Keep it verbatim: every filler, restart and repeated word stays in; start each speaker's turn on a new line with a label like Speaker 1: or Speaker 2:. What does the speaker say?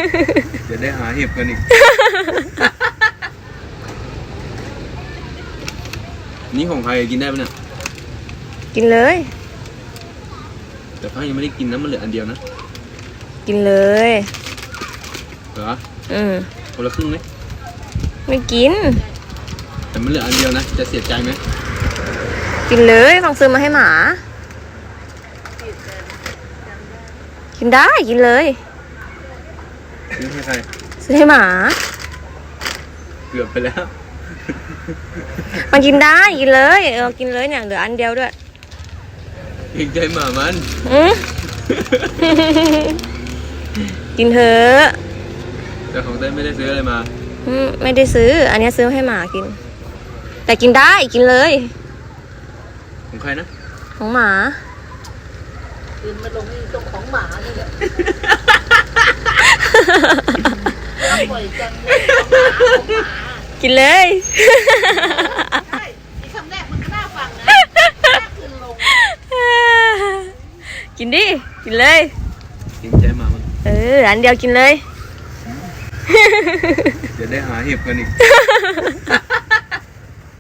Speaker 1: จะได้หาเห็บกันอีกนี่ของใครกินได้ปะเนี่ย
Speaker 2: กินเลย
Speaker 1: แต่พ่อยังไม่ได้กินนะมันเหลืออันเดียวนะ
Speaker 2: กินเลย
Speaker 1: เหรอ
Speaker 2: อืม
Speaker 1: คนละครึ่งไหม
Speaker 2: ไม่กิน
Speaker 1: แต่มันเหลืออันเดียวนะจะเสียใจไหม
Speaker 2: กินเลยฟังซื้อมาให้หมากินได้กินเลย
Speaker 1: ซื้อให้ใคร
Speaker 2: ซื้อให้หมา
Speaker 1: เกือบไปแล้ว
Speaker 2: มันกินได้กินเลยเออกินเลยเนี่ยเหลืออันเดียวด้วย
Speaker 1: เห็นใจหมามัน
Speaker 2: อืมกินเถอะ
Speaker 1: แต่ของเต้ไม่ได้ซื้ออะไรมา
Speaker 2: อืมไม่ได้ซื้ออันนี้ซื้อให้หมากินแต่กินได้กินเลย
Speaker 1: ของใครนะ
Speaker 2: ของหมา
Speaker 3: กินมาลงที่ตรงของหมานี่แหละบ่อยจังเลย
Speaker 2: กินเลย
Speaker 3: ใช่ที่คำแรกมันก็น่าฟังนะแรกคืนลง
Speaker 2: กินดิกินเลย
Speaker 1: เห็นใจหมามัน
Speaker 2: เอออันเดียวกินเลย
Speaker 1: จะได้หาเห็บกันอีก